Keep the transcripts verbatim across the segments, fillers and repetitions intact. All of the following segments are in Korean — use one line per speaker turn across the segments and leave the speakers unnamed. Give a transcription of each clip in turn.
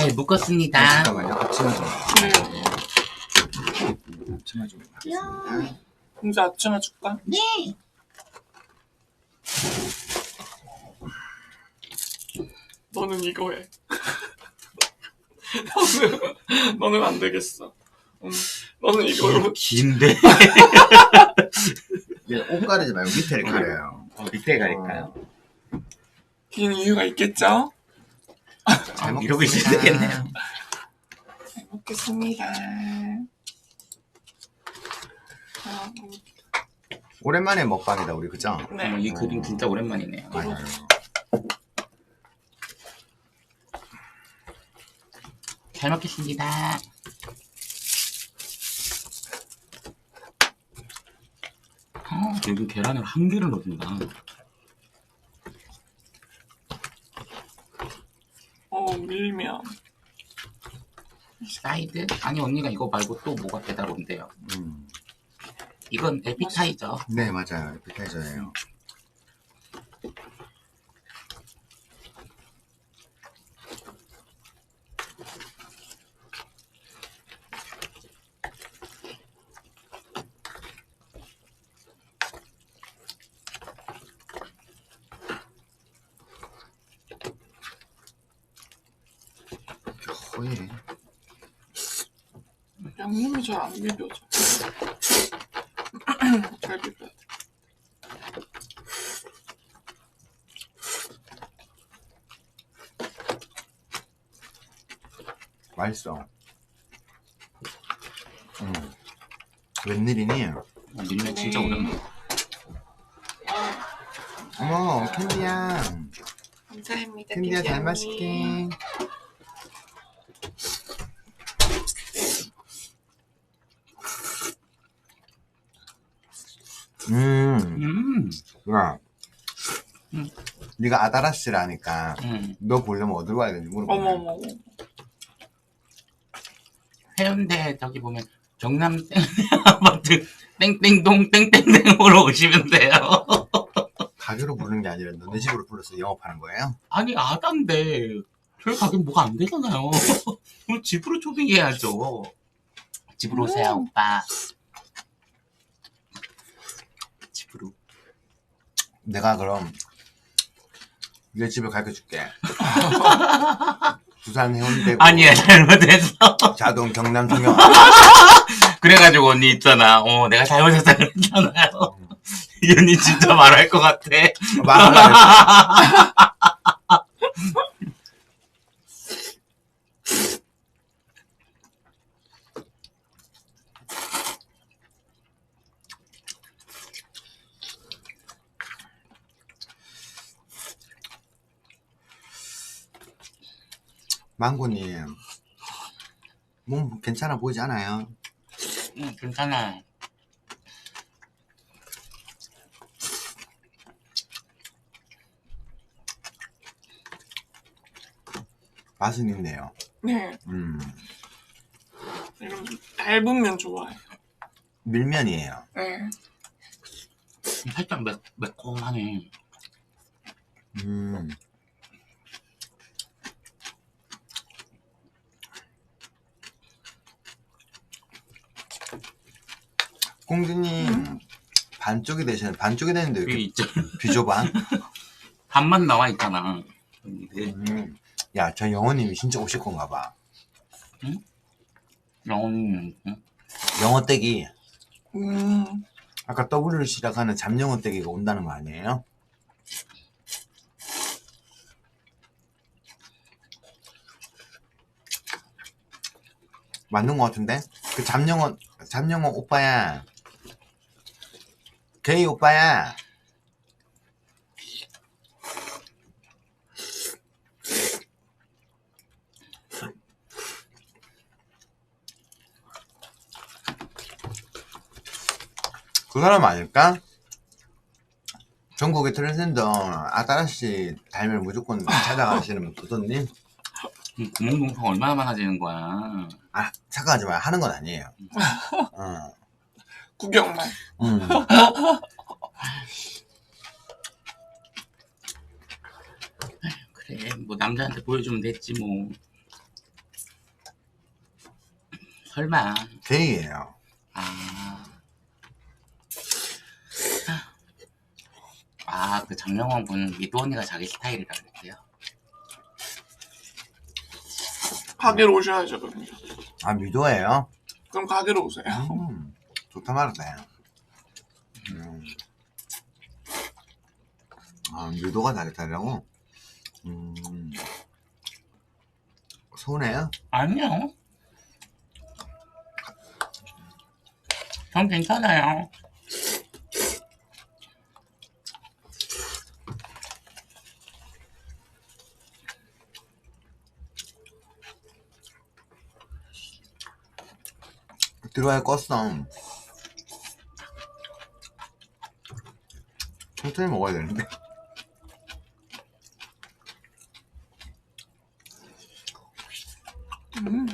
잘 묶었습니다.
아, 잠깐만요. 앞치마 좀.
네.
앞치마 좀. 야.
이제 앞치마 줄까?
네.
너는 이거 해. 너는, 너는 안 되겠어. 응. 너는 이걸로.
긴데.
옷 가리지 말고 밑에를 가려요.
어, 밑에 가릴까요?
긴 이유가 있겠죠?
잘
아, 이러고 있어야 되겠네요.
잘 먹겠습니다. 아,
오랜만에 먹방이다 우리 그죠?
네.
어, 이 그림 진짜 오랜만이네요.
맞아요.
잘 먹겠습니다. 어, 여기 계란을 한 개를 넣어준다.
어, 밀면.
사이드? 아니 언니가 이거 말고 또 뭐가 배달 온대요.
음.
이건 에피타이저.
네 맞아요. 에피타이저예요. 거의
양념이 잘 안 비벼져. 잘 비벼야 돼.
맛있어. 음. 웬일이니?
어, 밀면 진짜 오랜만.
어머 캔디야.
감사합니다.
캔디야 잘
언니.
마실게. 음.
음.
야.
음.
네가 아다라씨라니까
음.
너 보려면 어디로 가야 되는지 물어봐.
어머머.
해운대 저기 보면 경남 아파트 땡땡동 땡땡땡으로 오시면 돼요.
가게로 부르는 게 아니라 너네 집으로 불러서 영업하는 거예요?
아니 아단데 저희 가게 뭐가 안 되잖아요. 그럼 집으로 초빙해야죠. 집으로 오세요
음.
오빠. 집으로.
내가 그럼 네 집을 가르쳐줄게. 부산 해운대구
아니야 잘못했어.
자동 경남 통영.
그래가지고 언니 있잖아. 어 내가 잘못했다 그랬잖아요. 이 언니 진짜 말할 것 같아.
말을 안 했어. 망고님 몸 괜찮아 보이지 않아요?
응 괜찮아.
맛은 있네요.
네.
음.
이런 얇은 면 좋아해요.
밀면이에요.
네.
살짝 매, 매콤하네.
음. 공주님
음.
반쪽이 되시는 반쪽이 되는데 왜
여기
이렇게
있죠.
비좁아?
반만 나와 있잖아. 네.
음. 야, 저 영호님이 진짜 오실 건가 봐.
음, 음.
영어 떼기.
음.
아까 W를 시작하는 잠영어 떼기가 온다는 거 아니에요? 맞는 거 같은데? 그 잠영어 잠영어 오빠야. 게이 오빠야. 그 사람 아닐까? 전국의 트랜스젠더 아따라씨 닮으면 무조건 찾아가시는 도도님?
이 구멍동성 얼마나 많아지는 거야.
아, 착각하지 마. 하는 건 아니에요. 어.
구경만.
음.
그래, 뭐 남자한테 보여주면 됐지 뭐. 설마.
게이예요.
아. 아, 그 장명원 분 미도 언니가 자기 스타일이라 그랬대요.
가게로 오셔야죠, 그럼요.
아, 미도예요?
그럼 가게로 오세요.
음, 좋다 말았다. 음. 아, 미도가 자기타라고? 음. 서운해요?
아니요. 전 괜찮아요.
들어와야 껐어. 천천히 먹어야 되는데.
음.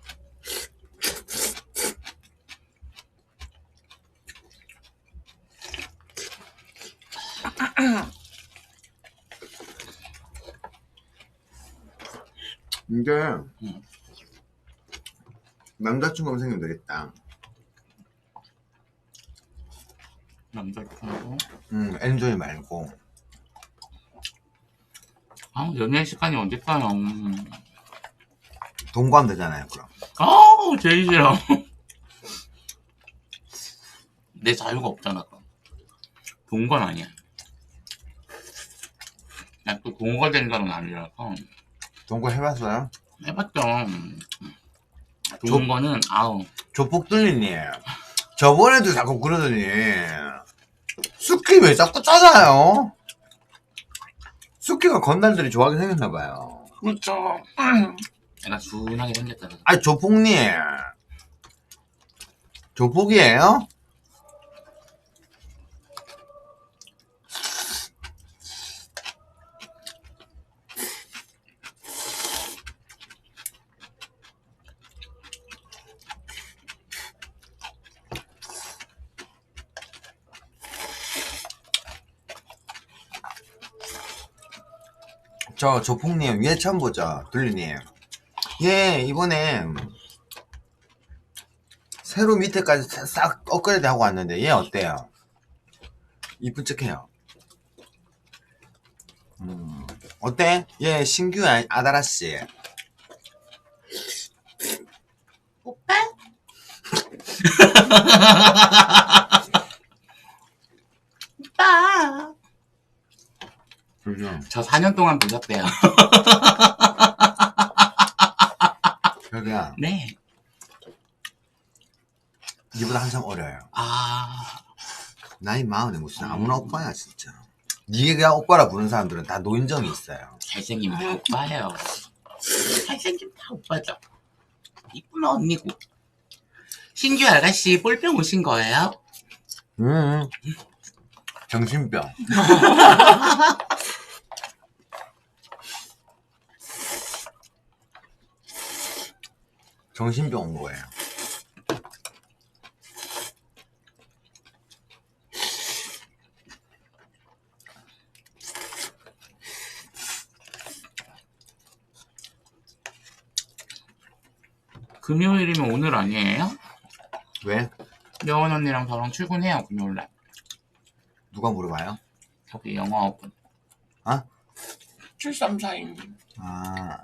이게
음.
남자친구가 생기면 되겠다.
남자친구.
음, 엔조이 말고.
아, 연애 시간이 언제까요? 음.
동거하면 되잖아요, 그럼.
아우, 제일 싫어. 내 자유가 없잖아, 그럼. 동건 아니야. 난 또 동거 된다는 아니라서.
동거 해봤어요?
해봤죠. 동거는, 아우.
조폭 뚫리니. 저번에도 자꾸 그러더니. 수키 왜 자꾸 짜잖아요? 수키가 건달들이 좋아하게 생겼나봐요.
그렇죠.
내가 준하게 생겼잖아.
아니, 조폭님. 조폭이에요? 저 조폭님 위에 처음 보죠, 둘리님. 예, 이번에 새로 밑에까지 싹- 싹 업그레이드 하고 왔는데 얘 어때요? 이쁜 척해요. 음, 어때? 얘 신규 아- 아다라씨.
오빠? 오빠.
그죠?
저 사 년 동안 보셨대요.
여기야,
네.
니보다 한참 어려요.
아.
나이 마흔에 무슨 아무나 오빠야 진짜. 니가 오빠라 부르는 사람들은 다 노인정이 있어요.
잘생기면 다 오빠예요. 잘생기면 다 오빠죠. 이쁘면 언니고. 신규 아가씨 볼병 오신 거예요?
음, 정신병. 정신병 온 거예요.
금요일이면 오늘 아니에요?
왜?
여원 언니랑 저랑 출근해요, 금요일날.
누가 물어봐요?
저기 영어학원.
아?
칠삼사님.
아.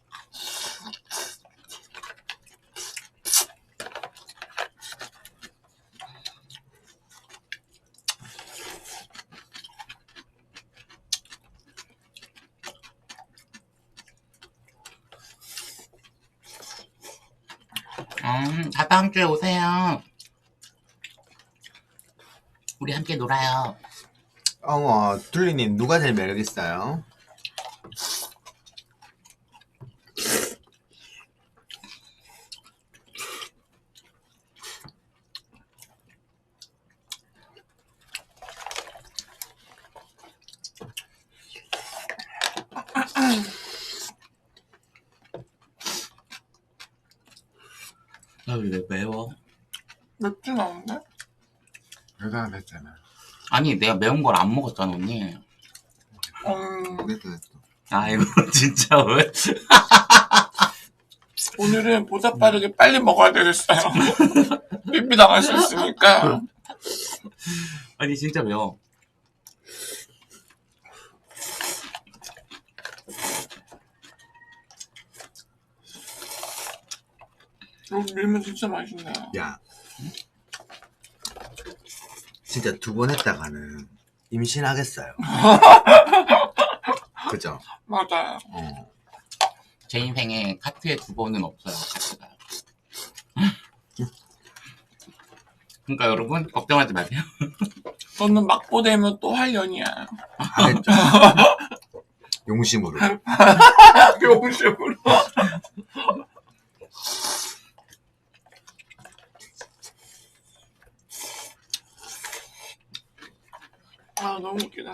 음, 다 다음 주에 오세요. 우리 함께 놀아요.
어머, 둘리님 누가 제일 매력 있어요?
야, 왜 매워?
맵진 않은데?
여자가 됐잖아.
아니, 내가 매운 걸 안 먹었잖아, 언니.
음,
됐어, 됐어.
아이고, 진짜 왜?
오늘은 보다 빠르게 빨리 먹어야 되겠어요. 삐삐 나갈 수 있으니까.
아니 진짜 매워.
여기 밀면 진짜 맛있네요.
야, 진짜 두 번 했다가는 임신하겠어요. 그죠?
맞아요.
어.
제 인생에 카트에 두 번은 없어요. 카트가. 그러니까 여러분 걱정하지 마세요.
저는 막보되면 또 할 년이야.
하겠죠. 용심으로.
용심으로. 아 너무 웃기다.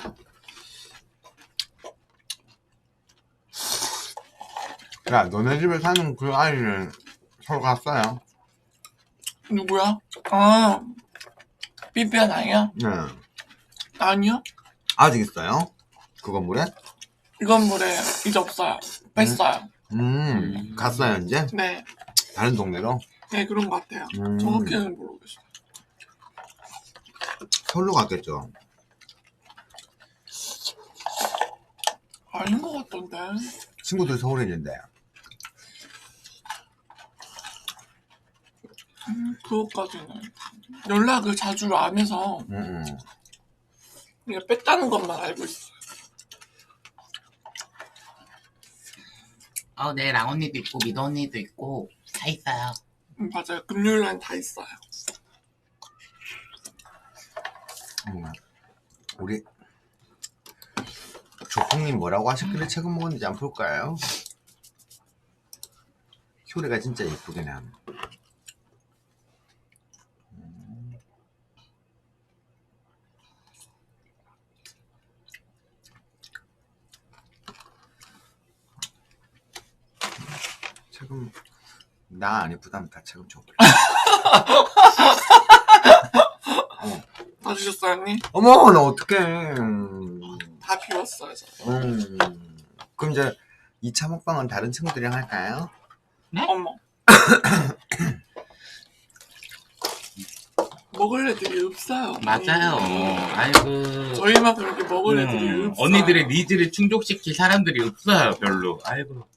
야, 너네 집에 사는 그 아이는 서로 갔어요?
누구야? 아 삐삐한 아이야?
네.
아니요.
아직 있어요? 그 건물에?
이 건물에 이제 없어요. 뺐어요.
음,
음.
갔어요, 이제?
네.
다른 동네로?
네 그런 것 같아요.
음.
정확히는 모르겠어요.
서울로 갔겠죠.
아닌 것 같던데.
친구들 서울에 있는데.
음, 그것까지는 연락을 자주 안 해서
음, 음.
그냥 뺐다는 것만 알고 있어요.
어, 네, 랑 언니도 있고 미도 언니도 있고 다 있어요.
음, 맞아요. 금요일날 다 있어요.
음. 우리 조콩님 뭐라고 하셨길래 책은 먹었는지 안 볼까요? 효리가 진짜 예쁘긴 함. 책은 나 안 예쁘다면 다 책은 줘버려.
다 주셨어요, 언니?
어머, 나 어떡해. 음.
다 비웠어요, 저.
음. 그럼 이제 이 차 먹방은 다른 친구들이랑 할까요?
어머. 먹을 애들이 없어요.
맞아요.
음.
아이고.
저희만 그렇게 먹을 애들이
음,
없어요.
언니들의 니즈를 충족시킬 사람들이 없어요, 별로. 아이고.